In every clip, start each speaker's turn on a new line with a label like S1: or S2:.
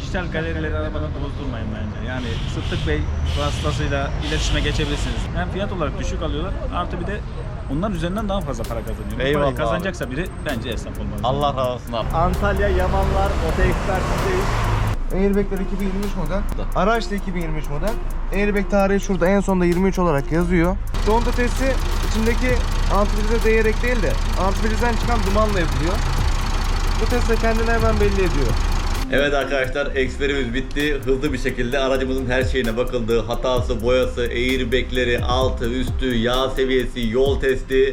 S1: dijital galerileri arabadan bozdurmayın bence. Yani Sıddık Bey vasıtasıyla iletişime geçebilirsiniz. Hem fiyat olarak düşük alıyorlar, artı bir de onlar üzerinden daha fazla para kazanıyor. Bu
S2: Eyvallah
S1: parayı kazanacaksa biri bence esnaf olmalı.
S2: Allah razı olsun abi. Antalya Yamanlar Oto Ekspertiz'deyiz.
S3: Airbag'ler 2023 model. Araç da 2023 model. Airbag tarihi şurada en sonda 23 olarak yazıyor. Conta testi içindeki antifrize değerek değil de antifrizden çıkan dumanla yapılıyor. Bu test de kendini hemen belli ediyor.
S2: Evet arkadaşlar, eksperimiz bitti. Hızlı bir şekilde aracımızın her şeyine bakıldı. Hatası, boyası, airbagleri, altı, üstü, yağ seviyesi, yol testi.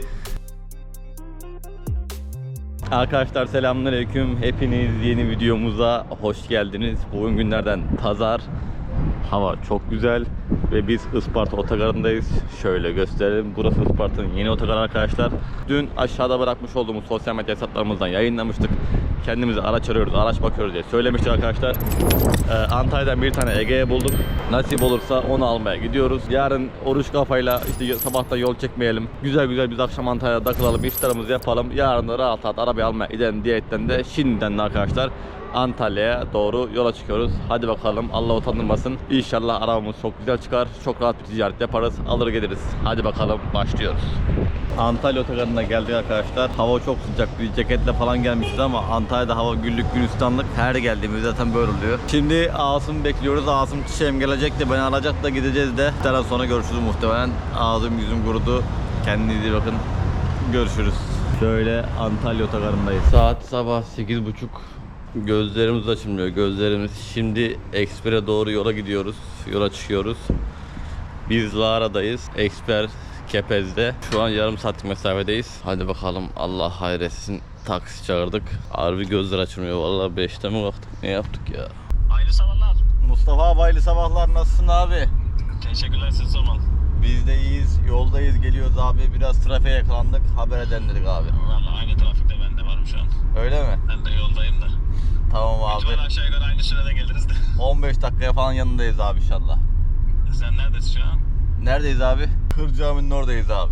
S2: Arkadaşlar selamünaleyküm. Hepiniz yeni videomuza hoş geldiniz. Bugün günlerden pazar. Hava çok güzel ve biz Isparta otogarındayız. Şöyle gösterelim. Burası Isparta'nın yeni otogarı arkadaşlar. Dün aşağıda bırakmış olduğumuz sosyal medya hesaplarımızdan yayınlamıştık. Kendimize araç arıyoruz, araç bakıyoruz diye söylemiştik arkadaşlar. Antalya'dan bir tane Ege'ye bulduk. Nasip olursa onu almaya gidiyoruz. Yarın oruç kafayla işte sabahtan yol çekmeyelim. Güzel güzel biz akşam Antalya'da takılalım, işlerimizi yapalım. Yarın da rahat rahat arabayı almaya gidelim diyetten de şimdiden de arkadaşlar Antalya'ya doğru yola çıkıyoruz. Hadi bakalım, Allah utandırmasın. İnşallah arabamız çok güzel çıkar. Çok rahat bir ticaret yaparız. Alır geliriz. Hadi bakalım, başlıyoruz. Antalya otogarına geldik arkadaşlar. Hava çok sıcak. Bir ceketle falan gelmişiz ama Antalya'da hava güllük gülistanlık. Her geldiğimizde zaten böyle oluyor. Şimdi Asım'ı bekliyoruz. Asım çiçeğim gelecek de beni alacak da gideceğiz de. Bir sonra görüşürüz muhtemelen. Ağzım yüzüm kurudu. Kendinize iyi bakın. Görüşürüz. Şöyle Antalya otogarındayız. Saat sabah 8:30. Gözlerimiz açılmıyor. Gözlerimiz şimdi Eksper'e doğru yola gidiyoruz. Yola çıkıyoruz. Biz Lara'dayız. Eksper Kepez'de. Şu an yarım saatlik mesafedeyiz. Hadi bakalım, Allah hayretsin. Taksi çağırdık. Harbi gözler açılmıyor. Vallahi 5'te mi kalktık? Ne yaptık ya?
S1: Hayırlı sabahlar.
S2: Mustafa abi, hayırlı sabahlar. Nasılsın abi?
S1: Teşekkürler, siz sormalı.
S2: Biz de iyiyiz. Yoldayız, geliyoruz abi. Biraz trafiğe yakalandık. Haber edelim dedik abi.
S1: Valla aynı trafikte ben de varım şu an.
S2: Öyle mi?
S1: Ben de yoldayım da.
S2: Tamam abi.
S1: Lütfen aşağı yukarı aynı sürede geliriz de.
S2: 15 dakikaya falan yanındayız abi inşallah.
S1: Sen neredesin şu an?
S2: Neredeyiz abi? Kırcaami'nin oradayız abi.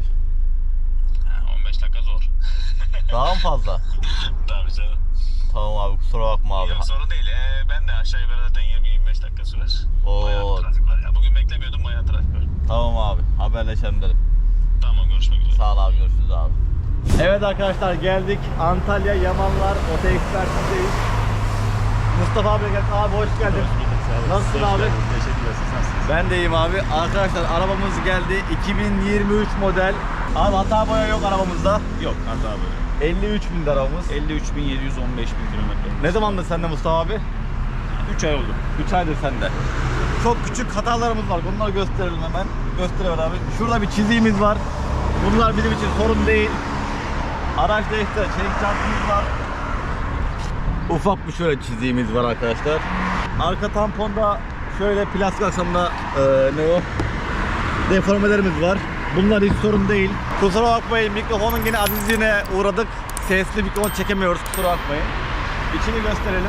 S1: 15 dakika zor.
S2: Daha mı fazla?
S1: Tabii canım.
S2: Tamam abi, kusura bakma abi.
S1: Yok, sorun değil. Ben de aşağı yukarı zaten 20-25 dakika sürer.
S2: Oo.
S1: Bayağı trafik var ya. Bugün beklemiyordum, bayağı trafik var.
S2: Tamam abi, haberleşelim dedim.
S1: Tamam, görüşmek üzere.
S2: Sağ ol abi, görüşürüz abi. Evet arkadaşlar, geldik Antalya Yamanlar Oto Ekspertiz'deyiz. Mustafa abi geldi. Abi hoş geldin. Nasılsın abi?
S1: Teşekkürler, siz nasılsınız?
S2: Ben de iyiyim abi. Arkadaşlar arabamız geldi. 2023 model. Abi hata boya yok arabamızda.
S1: Yok, hata böyle.
S2: 53.000 arabamız.
S1: 53.715.000 kilometre.
S2: Ne zamandır sende Mustafa abi?
S1: 3 ay oldu.
S2: 3 aydır sende. Çok küçük hatalarımız var. Bunları gösterelim hemen. Gösterelim abi. Şurada bir çiziğimiz var. Bunlar bizim için sorun değil. Araçta işte çelik çantımız var. Ufak bir şöyle çiziğimiz var arkadaşlar. Arka tamponda şöyle plastik aksamda ne o? Deformelerimiz var. Bunlar hiç sorun değil. Kusura bakmayın, mikrofonun yine azizliğine uğradık. Sesli mikrofon çekemiyoruz, kusura bakmayın. İçini gösterelim.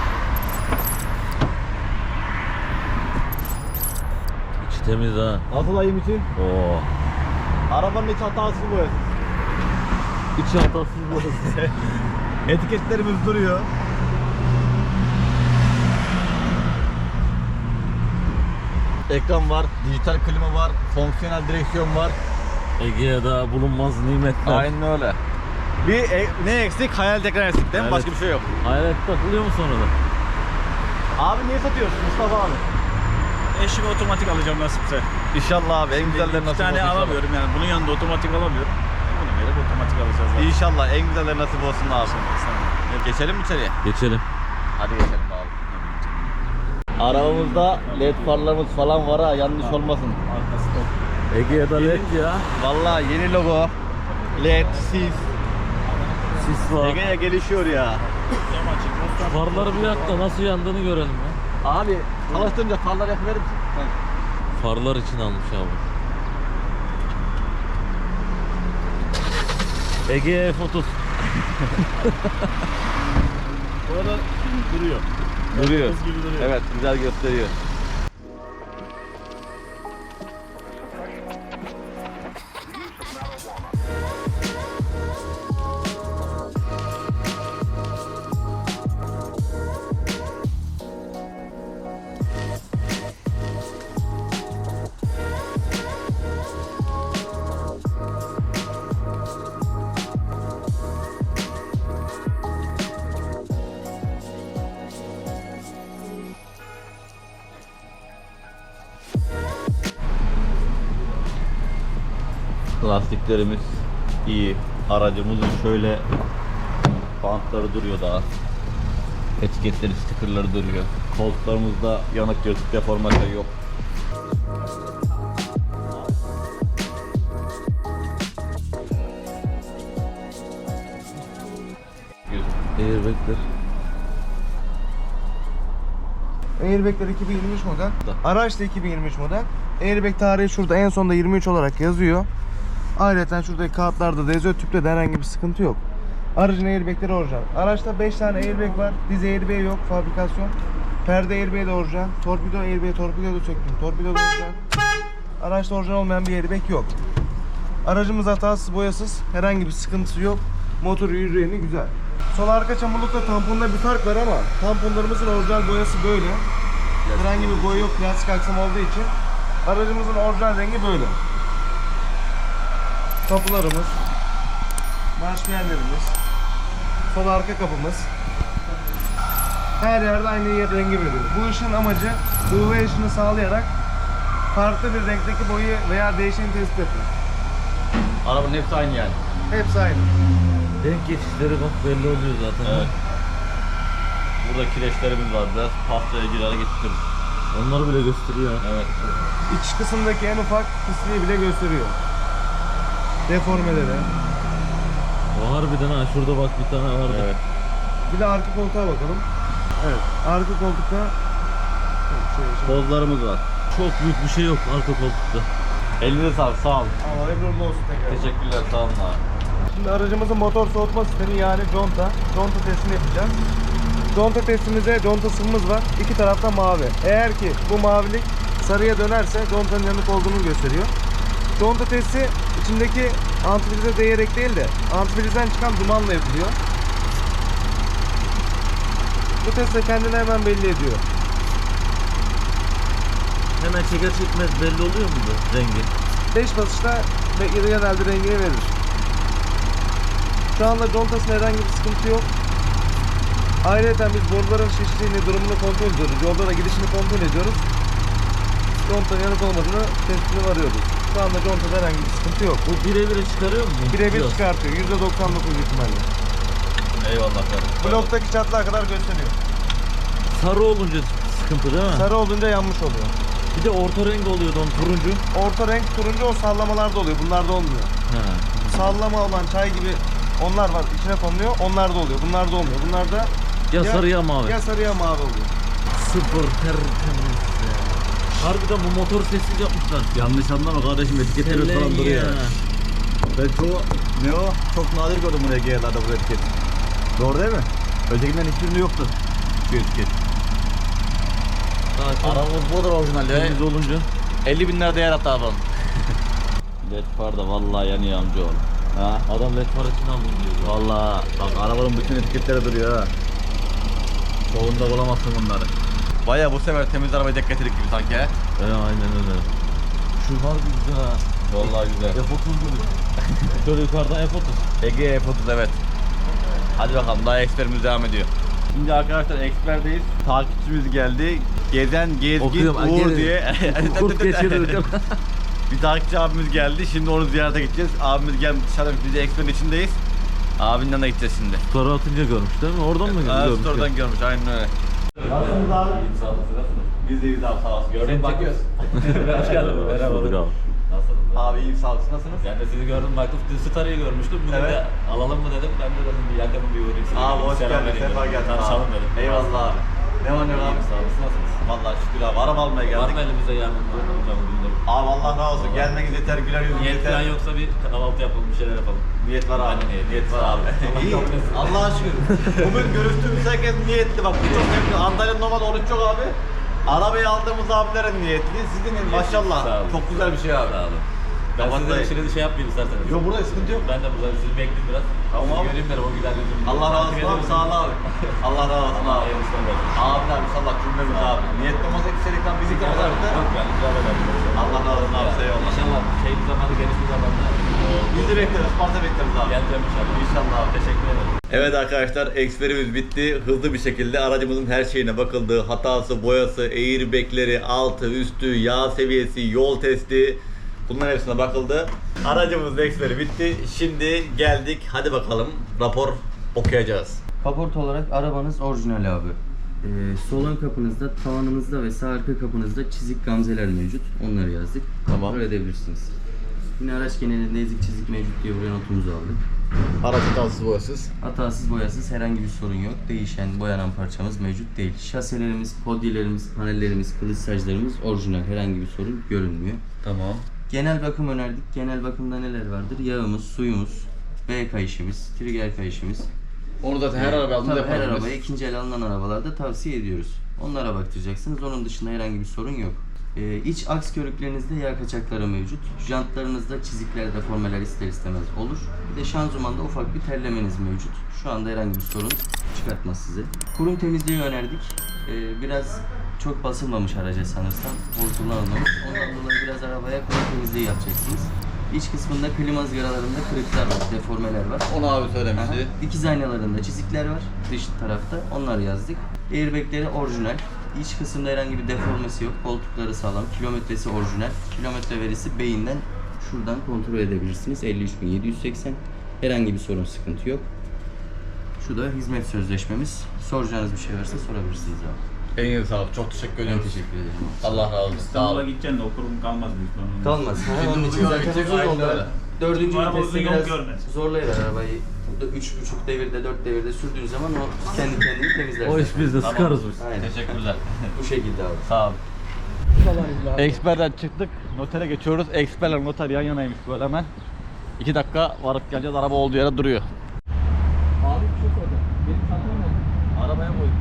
S4: İçi temiz ha.
S2: Nasıl ayım için?
S4: Oo.
S2: Arabanın hiç hatasız boyası.
S4: İçi hatasız burası.
S2: Etiketlerimiz duruyor. Ekran var, dijital klima var, fonksiyonel direksiyon var.
S4: Ege'de bulunmaz nimetler.
S2: Aynen öyle. Ne eksik? Hayal ekran eksik değil mi?
S4: Evet.
S2: Başka bir şey yok.
S4: Hayalet takılıyor mu sonra da?
S2: Abi niye satıyorsun Mustafa abi?
S1: Eşime otomatik alacağım nasipse.
S2: İnşallah abi, en güzelleri
S1: İki
S2: nasip
S1: tane
S2: olsun.
S1: alamıyorum yani. Bunun yanında otomatik alamıyorum. Bunu verip otomatik alacağız zaten.
S2: İnşallah en güzelleri nasip olsun abi. Geçelim mi içeriye?
S4: Geçelim.
S2: Hadi geçelim abi. Arabamızda led farlarımız falan var ha, yanlış olmasın.
S1: Arkası top.
S4: Ege'de led ya.
S2: Vallahi yeni logo, led, sis.
S4: Sis var.
S2: Ege'ye gelişiyor ya.
S1: Cam açık.
S4: Farları bir yak da nasıl yandığını görelim ya.
S2: Abi çalıştırınca farlar yakıverir misin?
S4: Farlar için almış abi. Ege F30.
S1: Orada duruyor.
S2: Duruyor.
S1: Buz gibi duruyor.
S2: Evet, güzel gösteriyor. Lastiklerimiz iyi. Aracımızın şöyle bantları duruyor daha. Etiketleri, stikerleri duruyor. Koltuklarımızda yanık, yırtık, deformasyon yok.
S4: Airbag'ler.
S3: Airbag'ler 2023 model. Araç da 2023 model. Airbag tarihi şurada en sonda 23 olarak yazıyor. Ayrıca şuradaki kağıtlarda da yazıyor. Tüpte de herhangi bir sıkıntı yok. Aracın airbagleri orijinal. Araçta 5 tane airbag var. Diz airbag yok. Fabrikasyon. Perde airbag de orijinal. Torpido airbag, torpido da söktüm. Torpido da orijinal. Araçta orijinal olmayan bir airbag yok. Aracımız hatasız, boyasız. Herhangi bir sıkıntısı yok. Motor yüzeyini güzel. Sol arka çamurlukla tamponda bir fark var ama tamponlarımızın orijinal boyası böyle. Herhangi bir boya yok, plastik aksam olduğu için. Aracımızın orijinal rengi böyle. Kapılarımız, marşpiyenlerimiz, sol arka kapımız. Her yerde aynı rengi veriyor. Bu ışığın amacı UV ışını sağlayarak farklı bir renkteki boyu veya değişeni tespit etmek.
S2: Arabanın hepsi aynı yani.
S3: Hepsi aynı.
S4: Renk geçişleri bak belli oluyor zaten.
S2: Evet. Burada kireçlerimiz var, biraz pastaya girerek getiririz.
S4: Onları bile gösteriyor.
S2: Evet.
S3: İç kısımdaki en ufak pisliği bile gösteriyor. Deformeleri.
S4: O harbiden ha, şurada bak bir tane vardı.
S2: Evet.
S3: Bir de arka koltuğa bakalım. Evet, arka koltukta
S2: Pozlarımız var.
S4: Çok büyük bir şey yok arka koltukta.
S2: Elinize sağlık, sağ olun.
S3: Allah emrinde olsun tekrar.
S2: Teşekkürler, sağ olun abi.
S3: Şimdi aracımızın motor soğutma sistemi yani conta testini yapacağız. Conta testimize conta sıvımız var. İki tarafta mavi. Eğer ki bu mavilik sarıya dönerse contanın yanık olduğunu gösteriyor. Conta testi içindeki antifrize değerek değil de antifrizden çıkan dumanla yapılıyor. Bu test de kendini hemen belli ediyor.
S4: Hemen çeker çekmez belli oluyor mu bu rengi?
S3: 5 basışta genelde rengini verir. Şu anda contasında herhangi bir sıkıntı yok. Ayrıca biz boruların şiştiğini, durumunu kontrol ediyoruz. Yolda da gidişini kontrol ediyoruz. Contanın yanık olmadığını tespitine varıyoruz. Şu anda contada herhangi bir sıkıntı yok.
S4: Bu birebir çıkarıyor mu?
S3: Birebir
S4: Yok.
S3: çıkartıyor. %99 ihtimalle.
S2: Eyvallah kardeşim.
S3: Bloktaki çatlağa kadar gösteriyor.
S4: Sarı olunca sıkıntı değil mi?
S3: Sarı olunca yanmış oluyor.
S4: Bir de orta renk oluyordu onun turuncu.
S3: Orta renk turuncu o sallamalarda oluyor. Bunlarda olmuyor.
S4: He.
S3: Sallama olan çay gibi onlar var. İçine konuluyor. Onlarda oluyor. Bunlarda olmuyor. Bunlarda
S4: Ya sarı ya mavi.
S3: ya sarı ya mavi oluyor.
S4: Sıfır tertemiz ya. Harbiden bu motor sessiz yapmışlar.
S2: Yanlış anlama kardeşim, etiketleri falan duruyor. Ben ne o? Çok nadir gördüm buraya GL'larda bu etiket. Doğru değil mi? Ötekinden hiçbirinde yoktu şu etiket. Arabamız budur orijinal ya.
S4: Temiz olunca.
S2: 50 bin lira değer hatta arabanın. Led far da vallahi yanıyor amcaoğlu. Ha?
S4: Adam led far için aldım diyor.
S2: Vallahi bak arabanın bütün etiketleri duruyor ha. Çoğunda bulamazsın bunları. Baya bu sefer temiz arabayı denk getirdik gibi sanki he.
S4: Aynen öyle. Şu var güzel ha.
S2: Vallahi güzel.
S4: F30 gibi. Şöyle yukarıdan F30.
S2: Ege F30 evet. Hadi bakalım daha eksperimiz devam ediyor. Şimdi arkadaşlar eksperdeyiz. Takipçimiz geldi. Gezen Gezgin
S4: Okuyorum,
S2: Uğur
S4: geri.
S2: diye.
S4: Kurt geçirir.
S2: Bir takipçi abimiz geldi. Şimdi onu ziyarete gideceğiz. Abimiz gelmiş dışarıda, biz de eksperin içindeyiz. Abinin yanına gideceğiz şimdi.
S4: Story atınca görmüş değil mi? Oradan mı görmüş?
S2: Store'dan görmüş aynen öyle. Nasılsınız abi? İyi sağ olun. Biz de iyiyiz abi sağ olsun. Gördüm bakıyoruz.
S4: Hoş geldin. Merhaba.
S2: Nasılsınız? Abi iyi sağ olsun. Nasılsınız?
S5: Ben de sizi gördüm, baktım Star'ı görmüştüm. Bunu
S2: Evet.
S5: da alalım mı dedim. Ben de dedim bir yakınım bir uğrayayım size.
S2: Abi
S5: dedim,
S2: hoş
S5: selam
S2: geldin.
S5: vereyim
S2: Sefa
S5: dedim.
S2: geldin
S5: Tanışalım
S2: abi.
S5: dedim.
S2: Eyvallah abi. Ne var ne var abi?
S5: Sağ olasın, nasılsınız?
S2: Vallahi şükür abi. Araba almaya
S5: Var
S2: geldik.
S5: mı elimizde yardımcı olacağım bugün?
S2: Abi Allah razı olsun. Gelmeniz yeter. Güler yüzünüz
S5: Niyet
S2: yeter.
S5: falan yoksa bir kahvaltı yapalım, bir şeyler yapalım.
S2: Niyet var abi.
S5: Aynen,
S2: Niyet var abi. İyi. Allah'a şükür. Bugün görüştüğümüz herkes niyetli. Bak birçok sevgili. Antalya'nın normalde oruç yok abi. Arabayı aldığımız abilerin niyetli. Sizin maşallah.
S5: Sağ olun.
S2: Çok güzel bir şey abi.
S5: Sağ olun. Ben
S2: Kapat
S5: size
S2: dayı.
S5: şimdi şey yapmayayım isterseniz.
S2: Yok burada sıkıntı yok.
S5: Ben de burada sizi bekleyeyim biraz.
S2: Tamam
S5: Sizi
S2: abi.
S5: göreyim derim o güler yüzümü.
S2: Allah razı
S5: Takip
S2: olsun abi.
S5: ederim.
S2: Sağ ol abi. Allah razı olsun
S5: Allah
S2: abi.
S5: hayırlısı olsun.
S2: Abiler inşallah cümlemiz abi. Niyetli olmasa içerikten bizi kapatırdı.
S5: Yok yani güzel ederim.
S2: Allah razı olsun abi. Eyvallah.
S5: İnşallah şey bir zamanı geniş bir zamanda
S2: Bizi bekleriz. Sparta bekleriz abi.
S5: geleceğim inşallah.
S2: İnşallah abi.
S5: Teşekkür ederim.
S2: Evet arkadaşlar, eksperimiz bitti. Hızlı bir şekilde aracımızın her şeyine bakıldı. Hatası, boyası, airbagleri, altı, üstü, yağ seviyesi, yol testi. Bunların hepsine bakıldı. Aracımızın eksperi bitti. Şimdi geldik. Hadi bakalım rapor okuyacağız.
S6: Kaporta olarak arabanız orijinal abi. Sol ön kapınızda, tavanınızda ve sağ arka kapınızda çizik gamzeler mevcut. Onları yazdık.
S2: Tamam.
S6: Kontrol edebilirsiniz. Yine araç genelinde ezik çizik mevcut diye buraya notumuzu aldık.
S2: Araç hatasız boyasız.
S6: Hatasız boyasız herhangi bir sorun yok. Değişen, boyanan parçamız mevcut değil. Şaselerimiz, podyelerimiz, panellerimiz, kılıç saclarımız orijinal. Herhangi bir sorun görünmüyor.
S2: Tamam.
S6: Genel bakım önerdik. Genel bakımda neler vardır? Yağımız, suyumuz, B kayışımız, trigger kayışımız.
S2: Onu zaten her araba aldığında
S6: Tabii her
S2: yaparız.
S6: arabaya ikinci el alınan arabalarda tavsiye ediyoruz. Onlara baktıracaksınız. Onun dışında herhangi bir sorun yok. İç aks körüklerinizde yağ kaçakları mevcut. Jantlarınızda çizikler, deformeler ister istemez olur. Bir de şanzımanda ufak bir terlemeniz mevcut. Şu anda herhangi bir sorun çıkartmaz size. Kurum temizliği önerdik. Biraz çok basılmamış araca sanırsam. Kullanılmamış. Ondan dolayı biraz arabaya kurum temizliği yapacaksınız. İç kısmında klima ızgaralarında kırıklar var, deformeler var.
S2: Onu abi söylemişti.
S6: Aha. Dikiz aynalarında çizikler var dış tarafta. Onları yazdık. Airbag'leri orijinal. İç kısımda herhangi bir deformesi yok. Koltukları sağlam. Kilometresi orijinal. Kilometre verisi beyinden şuradan kontrol edebilirsiniz. 53.780. Herhangi bir sorun, sıkıntı yok. Şu da hizmet sözleşmemiz. Soracağınız bir şey varsa sorabilirsiniz abi.
S2: Elinize sağlık. Çok teşekkür
S6: Ben
S2: ederim.
S6: teşekkür ederim.
S2: Allah razı olsun. Sağ
S1: İstanbul'a
S2: olun.
S1: gideceksin de o kurum kalmaz büyük ihtimalle.
S6: Kalmaz.
S2: Şimdi
S6: Onun için
S2: uzun
S6: zaten
S2: gidecek,
S6: uzun
S2: aynen
S6: yolda
S2: öyle.
S6: dördüncü
S1: Bu araba
S6: viteste
S1: uzun yol
S6: biraz
S1: görmez.
S6: zorlayıver arabayı. Burada 3,5 devirde, 4 devirde sürdüğün zaman o kendi kendini temizler.
S4: O iş bizde
S2: Tamam.
S4: sıkarız biz.
S6: Aynen.
S2: Teşekkürler.
S6: Bu şekilde abi.
S2: Sağ olun. Eksperden çıktık. Notere geçiyoruz. Eksperle noter yan yanaymış böyle hemen. 2 dakika varıp geleceğiz. Araba olduğu yere duruyor. Abi bir şey soracağım. Benim çantam nerede? Arabaya koydum.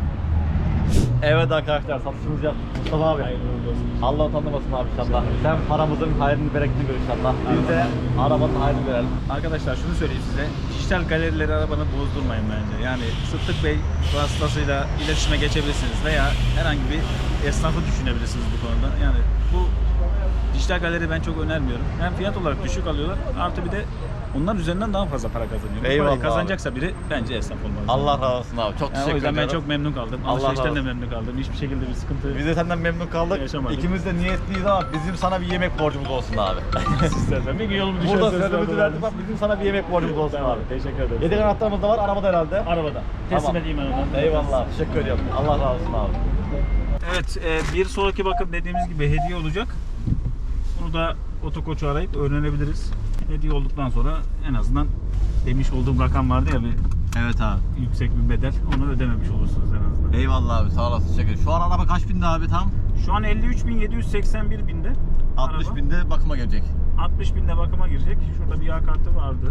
S2: Evet arkadaşlar, satışımızı yaptık. Mustafa abi. Allah utandırmasın abi inşallah. Sen paramızın hayrını bereketini gör inşallah. Biz de arabanın hayrını verelim.
S1: Arkadaşlar şunu söyleyeyim size. Dijital galerileri arabanı bozdurmayın bence. Yani Sıddık Bey vasıtasıyla iletişime geçebilirsiniz veya herhangi bir esnafı düşünebilirsiniz bu konuda. Yani bu dijital galeri ben çok önermiyorum. Hem fiyat olarak düşük alıyorlar, artı bir de onlar üzerinden daha fazla para kazanıyor. Bu
S2: Eyvallah
S1: parayı kazanacaksa biri bence esnaf olmalı.
S2: Allah razı olsun abi. Çok
S1: Yani o
S2: teşekkür
S1: yüzden ben
S2: ederim.
S1: çok memnun kaldım.
S2: Allah
S1: Alışverişten
S2: razı
S1: de
S2: olsun.
S1: memnun kaldım. Hiçbir şekilde bir sıkıntı
S2: Biz de senden memnun kaldık.
S1: Yaşamadık.
S2: İkimiz de niyetliyiz ama bizim sana bir yemek borcumuz olsun abi.
S1: istersen. Bir gün yolumu
S2: Burada
S1: düşerseniz
S2: sözümüzü verdik bak, bizim sana bir yemek borcumuz olsun abi.
S1: Teşekkür ederim.
S2: Yedek anahtarımız da var arabada herhalde.
S1: Arabada. Teslim
S2: Tamam.
S1: edeyim ben onu.
S2: Eyvallah. Teşekkür ediyorum. Allah razı olsun abi.
S1: Evet, bir sonraki bakım dediğimiz gibi hediye olacak. Bunu da otokoçu arayıp öğrenebiliriz. Hediye olduktan sonra en azından demiş olduğum rakam vardı ya, bir
S2: Evet abi.
S1: yüksek bir bedel, onu ödememiş olursunuz en azından.
S2: Eyvallah abi, sağ olasın, teşekkür ederim. Şu an araba kaç binde abi tam?
S1: Şu an 53.781 binde.
S2: 60
S1: araba.
S2: binde bakıma gelecek.
S1: 60 binde bakıma girecek. Şurada bir yağ kartı vardı.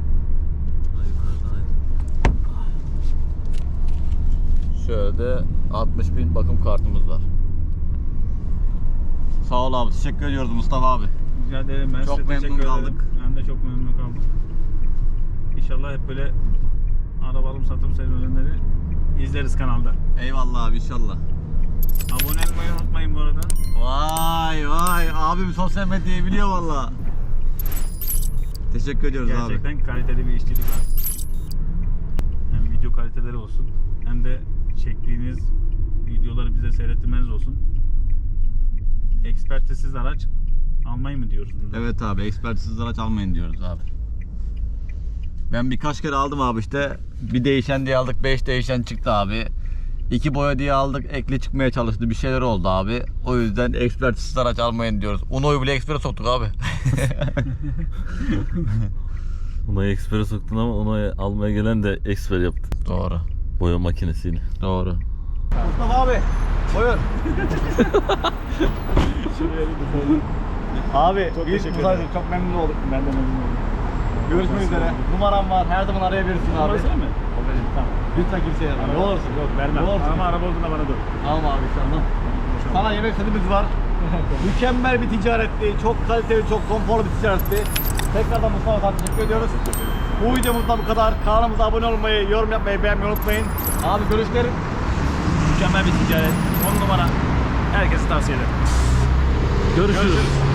S2: Şöyle de 60 bin bakım kartımız var. Sağ ol abi, teşekkür ediyoruz Mustafa abi.
S1: Rica ederim, ben
S2: Çok
S1: size
S2: memnun
S1: teşekkür ederim.
S2: kaldık.
S1: Ben de çok memnun kaldım. İnşallah hep böyle araba alım satım serüvenleri izleriz kanalda.
S2: Eyvallah abi, inşallah.
S1: Abone olmayı unutmayın bu arada.
S2: Vay vay, abim sosyal medyayı biliyor valla. Teşekkür ediyoruz abi.
S1: Gerçekten kaliteli bir işçilik var. Hem video kaliteleri olsun, hem de çektiğiniz videoları bize seyrettirmeniz olsun. Ekspertisiz araç almayı mı diyoruz burada?
S2: Evet abi, ekspertisiz araç almayın diyoruz abi. Ben birkaç kere aldım abi işte. Bir değişen diye aldık, 5 değişen çıktı abi. 2 boya diye aldık, ekli çıkmaya çalıştı, bir şeyler oldu abi. O yüzden ekspertisiz araç almayın diyoruz. Uno'yu bile ekspere soktuk abi.
S4: Ona ekspere soktun ama onu almaya gelen de eksper yaptı.
S2: Doğru.
S4: Boya makinesiyle.
S2: Doğru. Mustafa abi, buyur. Abi,
S1: Çok
S2: biz
S1: teşekkür
S2: bu
S1: ederim.
S2: sayede çok memnun olduk.
S1: Ben de memnun oldum.
S2: Görüşmek üzere. Numaram var, her zaman arayabilirsin abi.
S1: Numarası mi?
S2: O benim.
S1: Tamam.
S2: Lütfen kimseye verme. Ne olursun.
S1: Yok, vermem.
S2: Ne olursun.
S1: Ama araba olduğunda bana dur.
S2: Tamam abi, inşallah. Sana yemek setimiz var. Mükemmel bir ticaretti. Çok kaliteli, çok konforlu bir ticaretti. Tekrardan Mustafa sana teşekkür ediyoruz. Bu videomuzda bu kadar. Kanalımıza abone olmayı, yorum yapmayı, beğenmeyi unutmayın. Abi görüşlerin.
S1: Mükemmel bir ticaret. 10 numara. Herkese tavsiye ederim.
S4: Görüşürüz.